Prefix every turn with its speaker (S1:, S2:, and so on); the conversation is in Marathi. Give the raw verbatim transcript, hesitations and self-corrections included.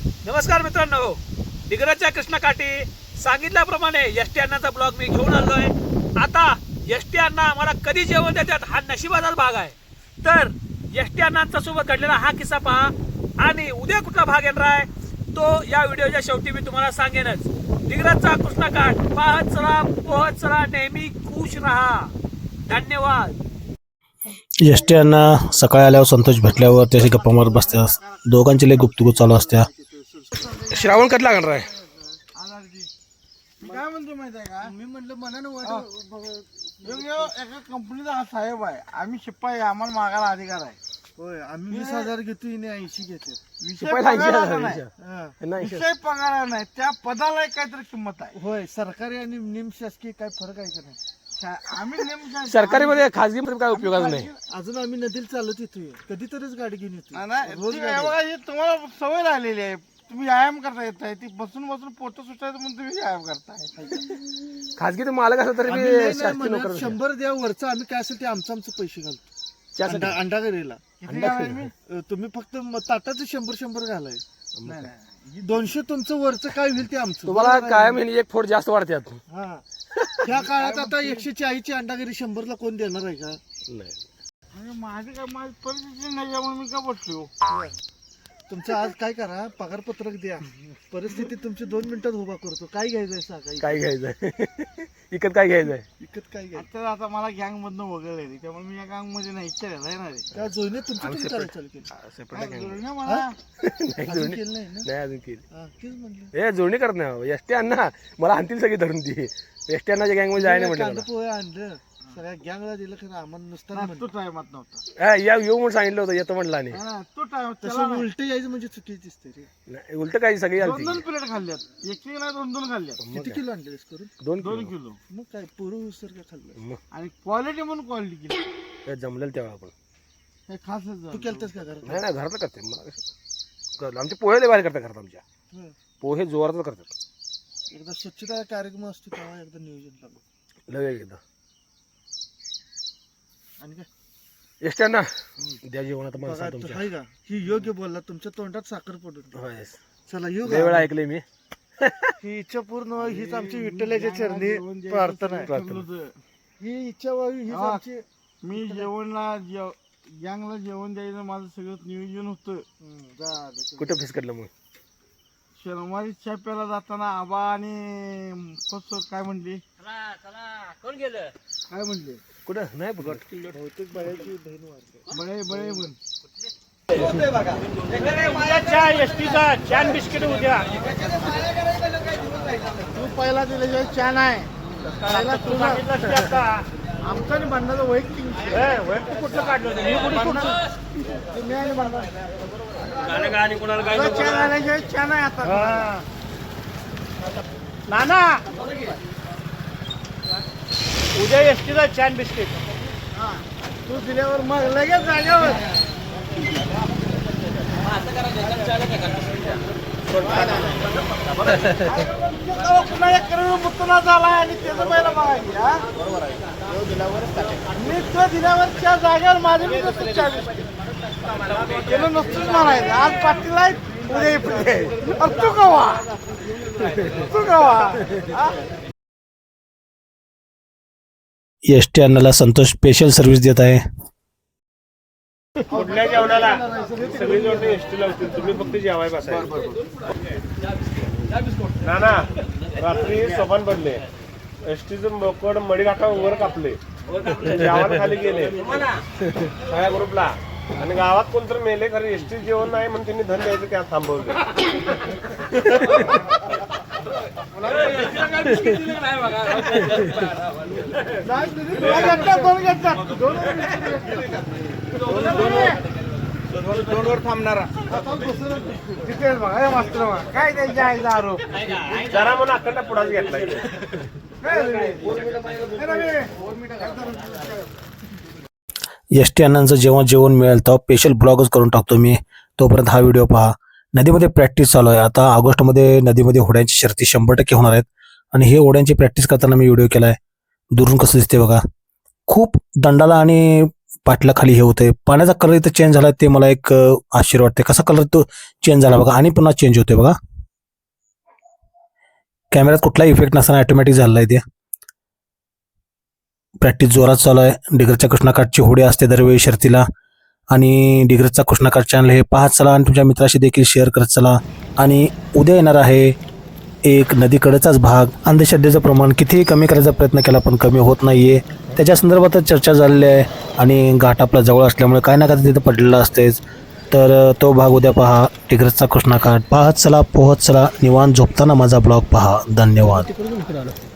S1: नमस्कार मित्रांनो, डिग्रजच्या कृष्णकाठी सांगितल्याप्रमाणे एस टी अण्णाचा ब्लॉग मी घेऊन आलोय. आता एस टी अण्णा आम्हाला कधी जेवण देतात हा नशिबाचा भाग आहे. तर एस टी अण्णांच्या सोबत घडलेला हा किस्सा पहा आणि उद्या कुठला भाग येणार आहे तो या व्हिडिओच्या शेवटी मी तुम्हाला सांगेनच. डिग्रजचा कृष्णकाठ पाहत चला, पोहत चला, नेहमी खुश राहा. धन्यवाद.
S2: एस टी अण्णा सकाळी आल्यावर संतोष भेटल्यावर त्याची गप्पा मारत बसतात. दोघांची लय गुप्तगुप्त चालू असत्या.
S3: श्रावण कधी लागणार आहे?
S4: काय म्हणतो माहिती आहे का, मी म्हटलं मनानं एका कंपनीचा हा साहेब आहे, आम्ही शिपाई, आम्हाला मागायला अधिकार आहे. होय, आम्ही वीस हजार घेतो, इने ऐंशी घेते. विषय पगाराचा नाही, विषय पगार नाही, त्या पदाला काहीतरी किंमत आहे. होय, सरकारी आणि निमशासकीय काय फरक आहे का नाही? आम्ही निम
S3: सरकारी मध्ये खाजगी मध्ये काय उपयोगाचं नाही.
S4: अजून आम्ही नदीला चालत येतोय, कधीतरीच गाडी घेऊन येतो. रोज तुम्हाला सवय राहिलेली आहे, तुम्ही व्यायाम करता येत आहे. ती बसून बसून पोट सुटायचं म्हणून तुम्ही व्यायाम करताय.
S3: खाजगी मालक असं तरी बी शासकीय नोकर
S4: शंभर द्या वरचं, आम्ही काय असेल ते आमचं आमचं पैसे घालतो. अंडा अंडा घरीला तुम्ही फक्त ताटाचं शंभर शंभर घालाय. दोनशे तुमचं वरचं काय होईल ते आमचं.
S3: तुम्हाला काय महिने एक फोड जास्त वाढतात.
S4: हा, त्या काळात आता एकशे चाळीसची अंडा घरी शंभरला कोण देणार आहे का?
S3: नाही.
S4: माझी काय माझी परिस्थिती नाही, त्यामुळे मी का बसलो. तुमचं आज काय करा, पगार पत्रक द्या, परिस्थिती तुमची दोन मिनिटात उभा करतो. काय घ्यायचंय सांगा.
S3: काय घ्यायचंय? इकत काय घ्यायचंय?
S4: विकत काय घ्यायचं? आता मला गँग मधनं वगळले, त्यामुळे मी या गँग मध्ये नाही इच्छा राहणार आहे. त्या जोईने तुमचं तुम्ही करायला चालू केलं. जोडण्या मला अजून केलं नाही ना?
S3: नाही अजून केली.
S4: हा, तेच म्हणलं.
S3: ए जोडणी करत नाही. एस टी अण्णा मला आणतील सगळी धरून ती. एस टी अण्णाच्या गँग मध्ये जायला
S4: कांदा
S3: म्हटलं.
S4: पोहे आणलं, सगळ्या गँगला दिलं, खरं आम्हाला नुसतं तो टायमात नव्हता.
S3: हा, या येऊ म्हणून सांगितलं होतं, येतो म्हटलं. आणि
S4: तो टाइम तसं उलट यायचं म्हणजे चुकीच दिसते रे.
S3: नाही, उलट काही सगळी
S4: दोन
S3: आलती.
S4: दोन प्लेट खाल्ल्यात, एक एक दोन दोन खाल्ल्यात. किती किलो आणले करून?
S3: दोन
S4: दोन किलो. मग काय पुरं उसर काय खाल्लं.
S3: मग
S4: आणि क्वालिटी म्हणून क्वालिटी केली.
S3: काय जमलेलं तेव्हा आपण.
S4: हे खास तू केलतस का घरात?
S3: नाही नाही, घरातलं करते. मला कसं आमचे पोहे लय भारी करतात घरात. आमच्या
S4: हं.
S3: पोहे जोरातच करतात.
S4: एकदा स्वच्छता कार्यक्रम असतो तेव्हा एकदा नियोजन लागलं.
S3: लय एकदा.
S4: आणि काय
S3: एस टी अण्णा द्या जेवण आता
S4: बघा,
S3: माणसा
S4: तू
S3: तुमच्या.
S4: हाय का, ही योग्य बोलला, तुमच्या तोंडात साखर पडून.
S3: होय.
S4: चला येऊ
S3: लय वेळा
S4: का?
S3: ऐकलंय मी.
S4: ही इच्छा पूर्ण व्हावी हीच आमची विठ्ठलाच्या चरणी प्रार्थना आहे.
S3: प्रार्थना.
S4: ही इच्छा व्हावी हीच
S5: हा.
S4: आमची.
S5: मी जेवणला जेव गँगला जेवण द्यायचं माझं सगळं नियोजन होतं.
S4: हं, जा दे.
S3: कुठं फिसकटलं मग?
S5: शनिवारी छाप्याला जाताना आबा आणि फस काय म्हणली
S1: कोण गेलं?
S5: काय म्हणले
S3: कुठं नाही बघत.
S4: बहुतेक बायाची बहीण वारते.
S5: बळे बळे म्हण
S1: छान बिस्किट उद्या.
S5: तू पहिला दिल्याशिवाय छान आहे. पहिला तू आमचं आणि भांडणाचं वैयक्तिक
S1: वैयक्तिक कुठलं काढलं?
S5: तुम्ही आणि भांडण
S1: गाणं गाणी कोणाला काय
S5: छान आल्याशिवाय छान आहे. आता
S1: नाना उद्या एस टीचा छान बिस्किट.
S5: तू दिल्यावर मग लगेच जाग्यावर पुन्हा एक करोड मुत्तना झाला आणि त्याचं पहिला बघायची. हा, मी तो दिल्यावरच्या जागेवर माझे मी नसतो चाळीस केलं नसतोच म्हणायचं. आज पाटील आहेत, उद्या पुढे तू कवा तू कवा.
S2: एस टी अण्णाला संतोष स्पेशल सर्व्हिस देत आहे.
S1: कुठल्या जेवणाला सगळी जोडणे एस टी लावतील, तुम्ही फक्त जेवाय बसायचं. ना ना रात्री सोपान पडले, एस टीचं बोकड मडी काका वर कापले, जेवण खाली गेले सगळ्या ग्रुपला. आणि गावात कोणतरी मेले, खरं एस टी जेवण नाही म्हणून त्यांनी धन द्यायचं त्या थांबवलं.
S5: दोन वर थांबणारा तिथेच बघा मास्तर बघा काय त्यांच्या आईचा आरोप.
S1: जरा म्हणून अखंड पुढाच घेतलाय.
S2: एस टी अण्णांचं जेव्हा जेवण मिळेल तेव्हा स्पेशल ब्लॉगच करून टाकतो मी. तोपर्यंत हा व्हिडिओ पहा. नदीमध्ये प्रॅक्टिस चालू आहे. आता ऑगस्टमध्ये नदीमध्ये होड्यांची शर्ती शंभर टक्के होणार आहेत. आणि हे होड्यांची प्रॅक्टिस करताना मी व्हिडिओ केला आहे. दुरून कसं दिसते बघा. खूप दंडाला आणि पाटलाखाली हे होतंय. पाण्याचा कलर इथं चेंज झाला ते मला एक अ, आश्चर्य वाटते. कसा कलर तो चेंज झाला बघा आणि पुन्हा चेंज होतोय बघा. कॅमेऱ्यात कुठलाही इफेक्ट नसताना ऑटोमॅटिक झालेला आहे ते. प्रॅक्टिस जोरात चालू आहे. डिग्रजच्या कृष्णाकाठची होडी असते दरवेळी शर्तीला आणि डिग्रजचा कृष्णाकाठ चॅनल हे पाहत चला आणि तुमच्या मित्राशी देखील शेअर करत चला. आणि उद्या येणार आहे एक नदीकडेचाच भाग. अंधश्रद्धेचं प्रमाण कितीही कमी करायचा प्रयत्न केला पण कमी होत नाही आहे. त्याच्या संदर्भातच चर्चा झालेली आहे आणि घाट आपला जवळ असल्यामुळे काय ना काय तिथं पडलेलं असतेच. तर तो भाग उद्या पहा. डिग्रजचा कृष्णाकाठ पाहत चला पोहत चला. निवांत झोपताना माझा ब्लॉग पहा. धन्यवाद.